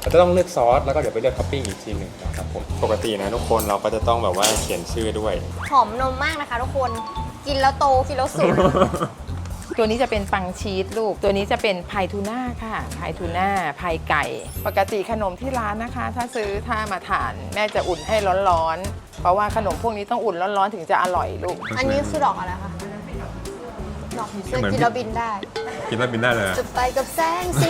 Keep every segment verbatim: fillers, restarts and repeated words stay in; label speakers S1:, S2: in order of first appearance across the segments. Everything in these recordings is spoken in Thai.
S1: เราจะต้องเลือกซอสแล้วก็เดี๋ยวไปเลือกท็อปปิ้งอีกทีหนึ่งนะครับผมปกตินะทุกคนเราก็จะต้องแบบว่าเขียนชื่อด้วย
S2: หอมนมมากนะคะทุกคนกินแล้วโตกินแล้วสุก
S3: ตัวนี้จะเป็นปังชีสลูกตัวนี้จะเป็นพายทูน่าค่ะพายทูน่าพายไก่ปกติขนมที่ร้านนะคะ ถ้าซื้อถ้ามาทานแม่จะอุ่นให้ร้อนๆเพราะว่าขนมพวกนี้ต้องอุ่นร้อนๆถึงจะอร่อยลูก
S2: อันนี้คือดอกอะไรคะดอกผีเสื้อกินแล้วบินได้
S1: กินแล้วบินได้เลย
S2: จะไปกับแสงสี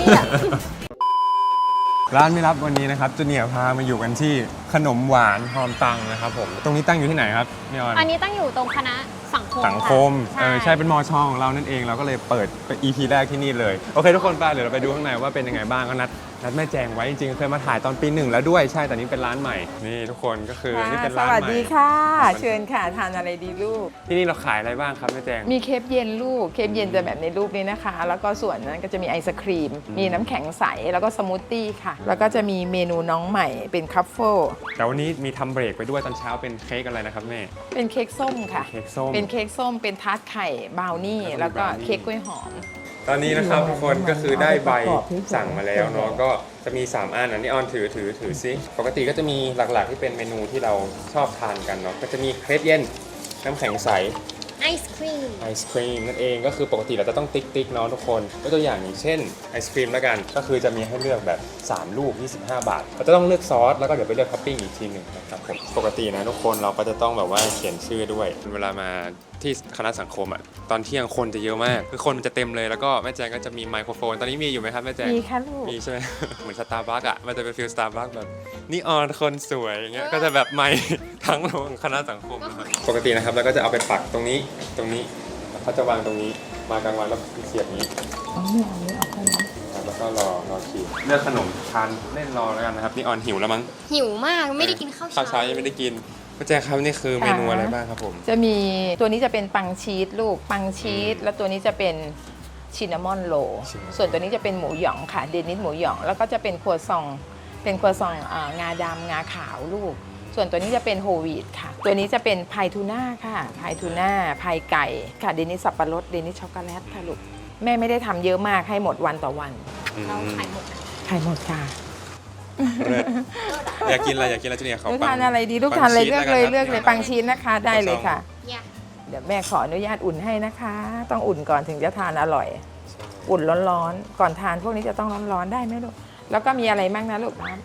S1: ร้านไม่รับวันนี้นะครับจูเนียร์พามาอยู่กันที่ขนมหวานหอมตังนะครับผมตรงนี้ตั้งอยู่ที่ไหนครับพี่ออน
S2: อันนี้ตั้งอยู่ตรงคณะสังคม
S1: สังคม
S2: ะ
S1: เออใช่เป็นมอชอของเรานั่นเองเราก็เลยเปิดเป็น อี พี แรกที่นี่เลยโอเคทุกคนไปเดี๋ยวเราไปดูข้างในว่าเป็นยังไงบ้างก็นัดนัดแม่แจงไว้จริงๆเคยมาถ่ายตอนปีหนึ่งแล้วด้วยใช่แต่นี้เป็นร้านใหม่นี่ทุกคนก็คือนี่เป็นร้าน
S3: ส
S1: ใหม่
S3: วัสดีค่ะ เชิญค่ะทานอะไรดีลูก
S1: ที่นี่เราขายอะไรบ้างครับแม่แจง
S3: มีเคปเย็นลูกเคปเย็นจะแบบในรูปนี้นะคะ แล้วก็ส่วนนั้นก็จะมีไอศครีม มีน้ำแข็งใสแล้วก็สมูทตี้ค่ะ แล้วก็จะมีเมนูน้องใหม่เป็นคัฟเฟิล
S1: แต่วันนี้มีทำเบรกไปด้วยตอนเช้าเป็นเค้กอะไรนะครับแม่
S3: เป็นเค้กส้มค่ะ
S1: เค้กส้ม
S3: เป็นเค้กส้มเป็นทาร์ตไข่บราวนี่
S1: แล้วก็
S3: แล้วก็
S1: บราวนี่
S3: เค้กกล้วยหอม
S1: ตอนนี้นะครับทุกคนก็คือได้ใบสั่งมาแล้วเนาะก็จะมีสามอันอันนี้ออนถือถือถือซิปกติก็จะมีหลักๆที่เป็นเมนูที่เราชอบทานกันเนาะก็จะมีเครปเย็นน้ำแข็งใส
S2: ไอศครีม
S1: ไอศครีมนั่นเองก็คือปกติเราจะต้องติ๊กติ๊กเนาะทุกคนยกตัวอย่างอย่างเช่นไอศครีมแล้วกันก็คือจะมีให้เลือกแบบสามลูกยี่สิบห้าบาทเราจะต้องเลือกซอสแล้วก็เดี๋ยวไปเลือกท็อปปิ้งอีกทีหนึ่งนะครับผมปกตินะทุกคนเราก็จะต้องแบบว่าเขียนชื่อด้วยเวลามาที่คณะสังคมอ่ะตอนเที่ยงคนจะเยอะมากคือคนมันจะเต็มเลยแล้วก็แม่แจงก็จะมีไมโครโฟนตอนนี้มีอยู่ไหมครับแม่แจง
S3: มีค่ะลูก
S1: มีใช่ไหม เหมือนสตาร์บัคอ่ะมันจะเป็นฟิลสตาร์บัคแบบนี่ออนคนสวยอย่างเงี้ยก็จะแบบไมค์ทั้งโรงคณะสังคมนะครับปกตินะครับเราก็จะเอาไปปักตรงนี้ตรงนี้เขาจะวางตรงนี้มากลางวันแล้วเสียบนี้
S3: อ๋อไม่เอาไม่เอาแค่นี้
S1: แล้วก็รอรอคิวเลือกขนมทานเล่นรอแล้วกันนะครับนี่ออนหิวแล้วมั้ง
S2: หิวมากไม่ได้กินข้าว
S1: ข้าวเช้า
S2: เช้า
S1: ยังไม่ได้กินพ่อแจ๊คครับนี่คือเมนูอะไรบ้างครับผม
S3: จะมีตัวนี้จะเป็นปังชีสลูกปังชีสแล้วตัวนี้จะเป็นชินนามอนโรลส่วนตัวนี้จะเป็นหมูหยองค่ะเดนิสหมูหยองแล้วก็จะเป็นครัวซองเป็นครัวซองอ่างาดำงาขาวลูก ส่วนตัวนี้จะเป็นโฮลวีตค่ะ ตัวนี้จะเป็นพายทูน่าค่ะพายทูน่าพายไก่ค่ะเดนิสสับปะรดเดนิสช็อกโกแลตค่ะลูกแม่ไม่ได้ทำเยอะมากให้หมดวันต่อวัน
S2: เราขายหมด
S3: ขายหมดค่ะ
S1: เลิศอยากกินอะไรอยากกินอะไรจูเนียร์เขา
S3: ลูก
S1: ปัง
S3: ทานอะไรดีลูกทานอะไร
S1: ปังชีส
S3: เลือกเลย
S1: แว
S3: เลือกเลย
S1: ครับ
S3: ปังชีสนะคะได้เลยค่ะ
S2: เนี่ย
S3: เดี๋ยวแม่ขออนุญาตอุ่นให้นะคะ ต้องอุ่นก่อนถึงจะทานอร่อย อุ่นร้อนๆก่อนทานพวกนี้จะต้องร้อนๆได้ไหมลูกแล้วก็มีอะไรบ้างนะลูกน้ำ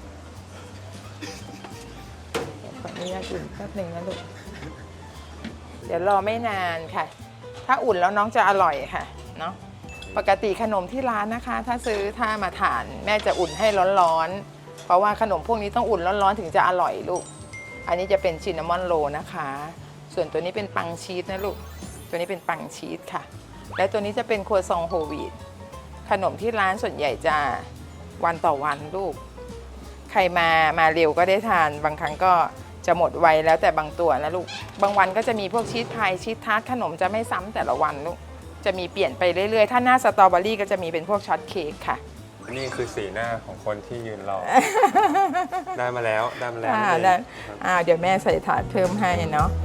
S3: ขออนุญาตอุ่นแป๊บหนึ่งนะลูกเดี๋ยวรอไม่นานค่ะ ถ้าอุ่นแล้วน้องจะอร่อยค่ะเนาะปกติขนมที่ร้านนะคะ ถ้าซื้อถ้ามาทานแม่จะอุ่นให้ร้อนๆเพราะว่าขนมพวกนี้ต้องอุ่นร้อนๆถึงจะอร่อยลูกอันนี้จะเป็นชินนามอนโรลนะคะ ส่วนตัวนี้เป็นปังชีสนะลูกตัวนี้เป็นปังชีสค่ะและตัวนี้จะเป็นครัวซองโฮลวีตขนมที่ร้านส่วนใหญ่จะวันต่อวันลูกใครมามาเร็วก็ได้ทานบางครั้งก็จะหมดไวแล้วแต่บางตัวนะลูกบางวันก็จะมีพวกชีสพายชีสทาร์ตขนมจะไม่ซ้ำแต่ละวันลูกจะมีเปลี่ยนไปเรื่อยๆถ้าหน้าสตรอเบอรี่ก็จะมีเป็นพวกช็อตเค้กค่ะ
S1: นี่คือสีหน้าของคนที่ยืนรอ ได้มาแล้วได้มาแล้ว
S3: อ่า
S1: นั่นเอง
S3: ได้อ่าเดี๋ยวแม่ใส่ถาดเพิ่มให้เนาะ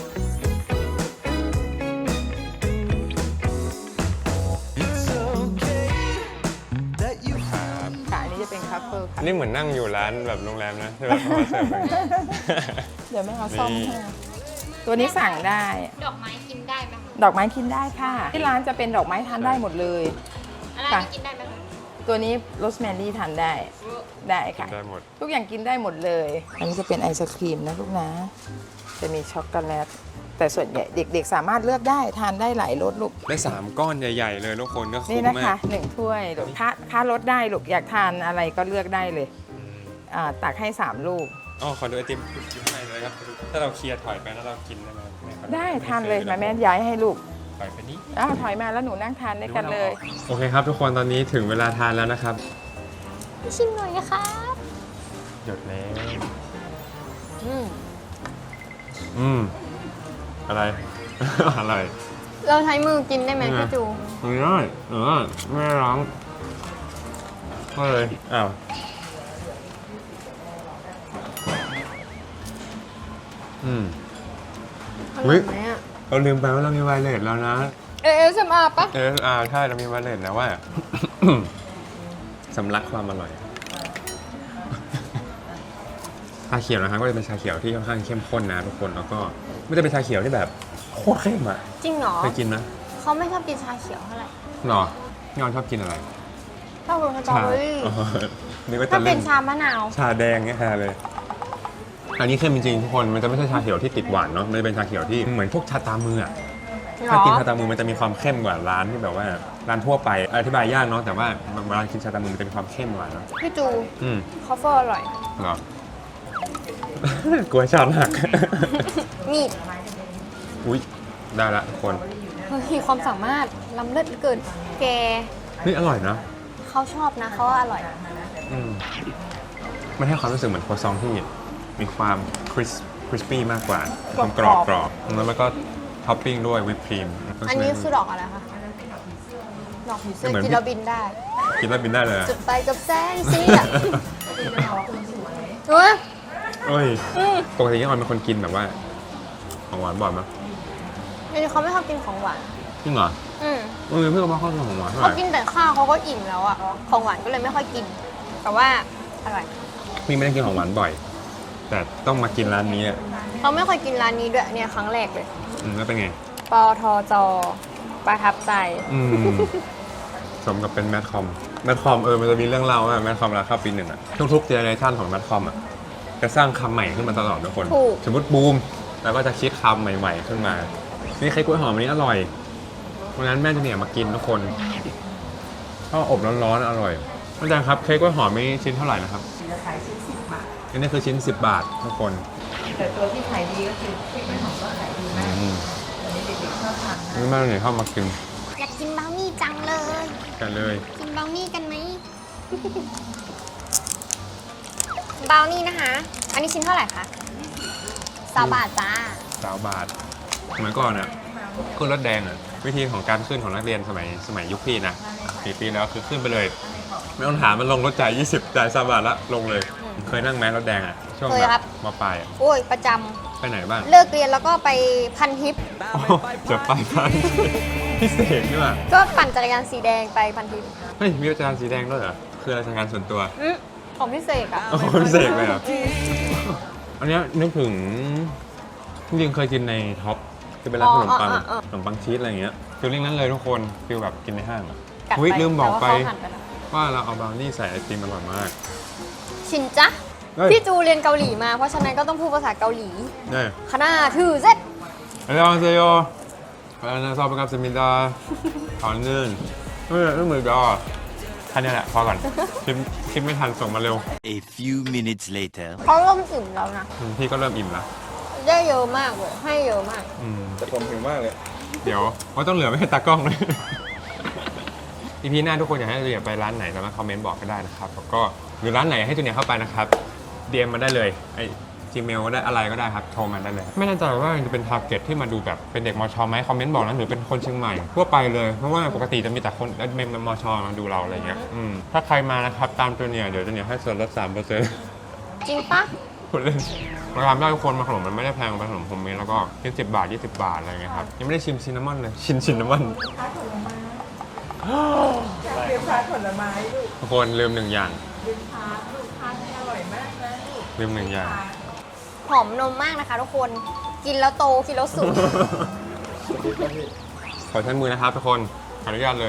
S3: ค่ะอันนี้จะเป็นคัพเฟิลค่ะ
S1: นี่เหมือนนั่งอยู่ร้านแบบโรงแรมนะใช่ไหมเขามาเสิร์ฟแบบนี้
S3: เดี๋ยวแม่เอาซ่อม
S1: นี่
S3: ให้ตัวนี้สั่งได้
S2: ดอกไม้กินได้ไหมคะ
S3: ดอกไม้กินได้ค่ะ ที่ร้านจะเป็นดอกไม้ทานได้หมดเลย
S2: อะไร
S3: ค่ะ
S2: กินได้ไหมคะ
S3: ตัวนี้โรสแมรี่ทานได้ได้ค่ะ
S1: ได้หมด
S3: ทุกอย่างกินได้หมดเลย อันนี้จะเป็นไอศครีมนะลูกนะ จะมีช็อกโกแลต แต่ส่วนใหญ่เด็กๆ สามารถเลือกได้ทานได้หลายรสลูก
S1: ได้สามก้อนใหญ่ๆเลยทุกคนก็คุ้
S3: นี่
S1: ม
S3: นะ
S1: มา
S3: คะ
S1: ก
S3: หนึ่งถ้วยลูกค่าค่ารสได้ลูกอยากทานอะไรก็เลือกได้เลยอ่าตักให้สามลูก
S1: อ๋อขอดูไอติมอยู่ข้างในเลยครับถ้าเราเคลียร์ถอยไปแล้วเรากินได้ไหมแม่ขอ
S3: ได้ทานเลยมาแม่ย้ายให้ลูก
S1: ถอยไปนี้
S3: อ้าวถอยมาแล้วหนูนั่งทานด้วยกันเลย
S1: โอเคครับทุกคนตอนนี้ถึงเวลาทานแล้วนะครับ
S2: ชิมหน่อยนะคะ
S1: หยดแล้ว
S3: อืม
S1: อืมอะไร อะไร
S2: เราใช้มือกินได้ไหม
S1: นี่ไง
S2: พี่จู
S1: ไม่ได้เออไม่ได้ร้องก็เลยอ้าวอืม
S2: อร่อยไหมอ่ะ
S1: เราลืมไปว่าเรามีไวเลสแล้วนะ
S2: เอสเอ็มอาร์ปะ
S1: เอออ่าใช่เรามีไวเลสแล้วว่า สำลักความอร่อยชาเขียวนะครับก็จะเป็นชาเขียวที่ค่อนข้างเข้มข้นนะทุกคนแล้วก็ไม่ได้เป็นชาเขียวที่แบบโคตรเข้มอ่ะ
S2: จริงเหรอ
S1: เคยกินนะ
S2: เขาไม่ชอบกินชาเขียวเท่าไหร่
S1: หรอพี่ออนชอบกินอะไร
S2: ชอบกินสตรอเบอรี่
S1: อ๋อนึกว่า
S2: ถ้า
S1: จะ
S2: เป็
S1: เล่
S2: น
S1: น
S2: ชามะนาว
S1: ชาแดงเนี่ยฮะเลย อันนี้เข้มจริงๆทุกคนมันจะไม่ใช่ชาเขียวที่ติดหวานเนาะมันจะเป็นชาเขียวที่เหมือนพวกชาตามืออะ
S2: หร
S1: ถ้า
S2: อ
S1: กินชาตามือมันจะมีความเข้มกว่าร้านที่แบบว่าร้านทั่วไปอธิบายยากเนาะแต่ว่าเวลากินชาตามือมันจะมีความเข้มกว่าเนาะ
S2: พี่จู
S1: อืม
S2: คอฟเฟอร์อร่อย
S1: เหรอ กลัวชาหัก
S2: นี่
S1: อุ้ยได้ละทุกคน
S2: เฮ้ยความสามารถล้ำเลิศเหลือเกิน แก
S1: นี่อร่อยนะ
S2: เขาชอบนะเขาว่าอร่อย
S1: อืมมันให้ความรู้สึกเหมือนโครัวซองที่มีความคริสคริสปี้มากกว่าความกรอบกรอบแล้วก็ท็อปปิ้งด้วยวิปครีม
S2: อันนี้คือดอกอะไรคะดอกผีเสื้อ
S1: เหมือน
S2: กินแล้วบินได้
S1: กินแล้วบินได้เลยอะ
S2: จุดไปกับแสงสีอ่ะเฮ้ย
S1: เอ้ย
S2: อืม
S1: ปกติยังออนเป็นคนกินแบบว่าของหวานบ่อยมั้ย
S2: เดี๋ยวนี้เขาไม่ชอบกินของหวาน
S1: จริงเหรอ
S2: อืม
S1: เออเพื่อนบอกเขากินของหวานเท่าไห
S2: เขา
S1: ร่
S2: กินแต่ข้าวเขาก็อิ่มแล้วอ่ะ ของหวานก็เลยไม่ค่อยกิน แต่ว่าอร่อย
S1: พี่ไม่ได้กินของหวานบ่อย แต่ต้องมากินร้านนี้อะ
S2: เขาไม่เคยกินร้านนี้ด้วยเนี่ยครั้งแรกเลย
S1: อืมแล้วเป็นไง
S2: ปอทจประทับใจ
S1: อืม สมกับเป็นแมทคอมแมทคอมเออมันจะมีเรื่องเล่าว่าแมทคอมราคาปีหนึ่งอะทุกๆเจเนอเรชันของแมทคอมอะจะสร้างคำใหม่ขึ้นมาตลอดทุกคน
S2: ถูก
S1: สมมติบูมแล้วก็จะคิดคำใหม่ ๆ ขึ้นมา นี่ไข่กล้วยหอมอันนี้อร่อยเพราะงั้นแม่จะเนี่ยมากินทุกคนข้าวอบร้อนๆอร่อยอาจารย์ครับเค้กกล้วยหอมนี่ชิ้นเท่าไหร่นะครับ
S3: จะขายชิ้นสิบบาท
S1: อันนี้คือชิ้นสิบบาททุกคน
S3: แต่ตัวที่ขายดีก็คือพริกมันหอมก็ขายดีมาก
S1: อืม
S3: อันนี้เด็กๆชอบทานนะ
S1: นี่แม่เนี่ยเข้ามากิน
S2: อยากกินบราวนี่จังเลย
S1: กันเลย
S2: กินบราวนี่กันไหม บราวนี่นะคะ อันนี้ชิ้นเท่าไหร่คะสามบาทจ้า
S1: สาวบาทสมัยก่อนอ่ะขึ้นรถแดงอ่ะวิธีของการขึ้นของนักเรียนสมัยสมัยยุคพี่นะกี่ปีแล้วคือขึ้นไปเลย ไม่ต้องถามมันลงรถจ่ายยี่สิบจ่ายสามบาทละลงเลย เคยนั่งแม้รถแดงอ่ะช่วง
S2: เคย
S1: แบ
S2: ครับ
S1: บมาปลายอะ
S2: โอ้ย ประจ
S1: ไปไหนบ้าง
S2: ำ เลิกเรียนแล้วก็ไปพันทิป
S1: โอ้จะไปพันพิเศษนี่ว่ะ
S2: ก็ปั่นจักรยานสีแดงไปพันทิป
S1: เฮ้ยมีอาจารย์สีแดงด้วยเหรอคือราชการส่วนตัว
S2: อืมของพิเศษอะ
S1: โอ้พิเศษเลยเหรออันเนี้ยนึกถึงจริงๆเคยกินในท็อปคือเป็นร้านขนมปังขนมปังชีสอะไรอย่างเงี้ยฟีลลิ่งนั้นเลยทุกคนฟีลแบบกินในห้างอะ
S2: กัด
S1: อุ๊ย
S2: ไป
S1: ลืมบอกไป
S2: แต่ว่าเขาหั่นไปแล้ว
S1: ว่าเราเอาบราวนี่ใส่ไอติมอร่อยมาก
S2: ชินจ๊ะ
S1: เฮ้ย
S2: พี่จูเรียนเกาหลีมา เพราะฉะนั้นก็ต้องพูดภาษาเกาหลี
S1: เนี่ย
S2: คณะถือเซ็ต
S1: อันยองเซโยอันนั้นซอฟกับสมิดาตอนนึงเมื่อเมื่อดอท่านนี้แหละพอก่อนคลิปคลิปไม่ทันส่งมาเร็ว
S4: A few minutes later.
S2: เขาเริ่มอิ่มแล้วนะ
S1: อืมพี่ก็เริ่มอิ่มแล้ว
S2: ได้เยอะมากเลย ให้เยอะมาก
S1: อืมแต่ผมหิวมากเลย เดี๋ยวว่าต้องเหลือไม่ให้ตากล้องเลย อีพีหน้าทุกคนอยากให้เราอยากไปร้านไหนสามารถคอมเมนต์บอกก็ได้นะครับแล้วก็หรือร้านไหนให้จูเนียร์เข้าไปนะครับ ดี เอ็ม มาได้เลยไอ Gmail ก็ได้อะไรก็ได้ครับโทรมาได้เลย ไม่แน่ใจว่าจะเป็นทาร์เก็ตที่มาดูแบบเป็นเด็กมชไหมคอมเมนต์บอกนะหรือเป็นคนเชียงใหม่ทั่วไปเลยเพราะว่าปกติจะมีแต่คนเมมมชมาดูเราอะไรเงี้ยอืมถ้าใครมานะครับตามจูเนียร์เดี๋ยวจูเนียร์ให้ส่วนลดสามเปอร์เซ็นต์
S2: จริงปะ
S1: พูดเล่นราคาได้ทุกคนมาขนมมันไม่ได้แพงเป็นขนมโฮมเมดแล้วก็ยี่สิบบาทยี่สิบบาทอะไรเงี้ยครับยังไม่ได้ชิมซินนามอนเลยชิมซินนามอน
S3: เตรียมทานผลไม้ลูก
S1: ทุกคนลืมหนึ่งอย่าง
S3: ลืมทานลูกทานให้อร่อยมากนะลูก
S1: ลืมหนึ่งอย่าง
S2: หอมนมมากนะคะทุกคน กินแล้วโต กินแล้วสุก
S1: ขอใช้มือนะครับทุกคนขออนุญาตเลย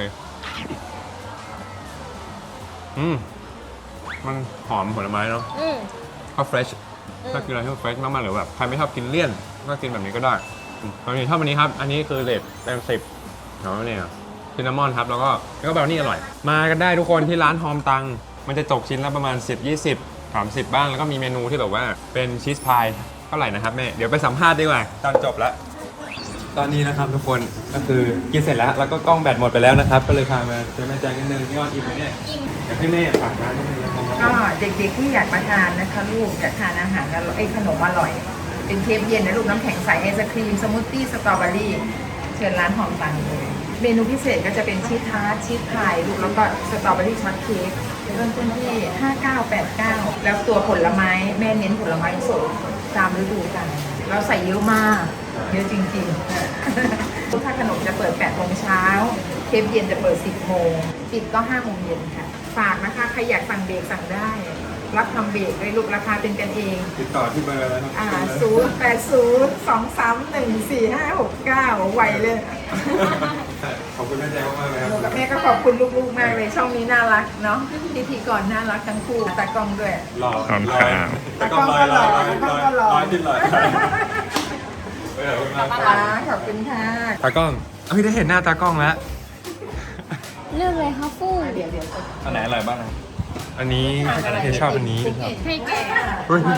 S1: อืมมันหอมผลไม้เนาะ
S2: อืม
S1: ก็เฟรชถ้ากินอะไรที่มันเฟรชมากๆหรือแบบใครไม่ชอบกินเลี่ยนก็กินแบบนี้ก็ได้อืมตอนนี้ชอบอันนี้ครับ อันนี้คือเลทเต็มสิบเนาะเนี่ยซินนามอนครับแล้วก็แล้วก็แบบนี้อร่อย มากันได้ทุกคนที่ร้านฮอมตัง มันจะตกชิ้นละประมาณ สิบ ยี่สิบ สามสิบบ้างแล้วก็มีเมนูที่แบบว่าเป็นชีสพายเท่าไหร่นะครับแม่เดี๋ยวไปสัมภาษณ์ดีกว่าตอนจบแล้ว ตอนนี้นะครับทุกคนก็คือกินเสร็จแล้วแล้วก็กล้องแบตหมดไปแล้วนะครับก็เลยพามาเจอแม่แจงนิดนึงพี่ออนอิ่มไหมเนี่ยอิ่มอยากให้แม่ฝากร้านนิดนึงนะครับ
S3: ก็เด็กๆที่อยากมาทานนะคะลูกอยากทานอาหารอร่อยไอ้ขนมอร่อย เป็นเคฟเย็นนะลูกน้ำแข็งใสไอศครีมสมูทตี้สตรอเบอรี่เชิญร้านหอมตังเลยเมนูพิเศษก็จะเป็นชีสทาร์ตชีสพายลูกแล้วก็สตรอเบอรี่ช็อตเค้กเริ่มต้นที่ห้าเก้าแปดเก้าแล้วตัวผลไม้แม่เน้นผลไม้สดตามฤดูกาลเราใส่เยอะมากเยอะจริงๆ ถ้าขนมจะเปิดแปดโมงเช้าเคฟเย็นจะเปิดสิบโมงปิดก็ห้าโมงเย็นค่ะฝากนะคะใครอยากสั่งเบรกสั่งได้รับทำเบรกด้วยลูกราคาเป็นกันเอง
S1: ติดต่อที่เบอร์แล้วนะ
S3: อ่าศูนย์แปดศูนย์สองสามหนึ่งสี่ห้าหกเก้าไวเลย
S1: ขอบคุณแม่แจ๊คมากเลยครับ
S3: หนูกับแม่ก็ขอบคุณลูกๆมากเลยช่องนี้น่ารักเนาะพิธีกรน่ารักทั้งคู่ตากล้องด้วย
S1: หล่อ
S5: ขอบคุณ
S1: ลอย
S5: ครับ
S1: แต่ก็ลอยลอยลอยลอย
S3: ตากล้องก็หล่อ
S1: ลอยขึ้นลอยเออขอบคุณมากครับ
S3: อ่าขอบคุณค่ะ
S1: ตากล้องเฮ้ยได้เห็นหน้าตากล้องแล้ว
S2: เลือกเลยค่ะฟู
S3: เดี๋ยวเดี๋ยว
S5: อันไหนอร่อยบ้างครับ
S1: อันนี้เทชอบอันนี้
S2: ให้แก่
S1: เฮ้ย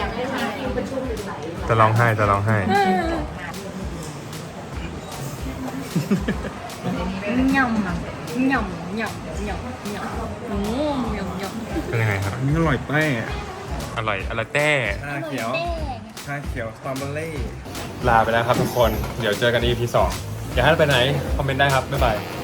S1: จะร้องไห้จะร้องไห้
S2: ยำอะยำยำยำยำโอ้ยำยำ
S1: เป็นยังไงครับ
S5: อันนี้อร่อยแป้ง
S1: อร่อยอร่อยแต้
S5: ชาเขียว ชาเขียวสตรอเบอรี่
S1: ลาไปแล้วครับทุกคน เดี๋ยวเจอกัน อี พี สอง อยากให้เราไปไหน คอมเมนต์ได้ครับ บ๊ายบาย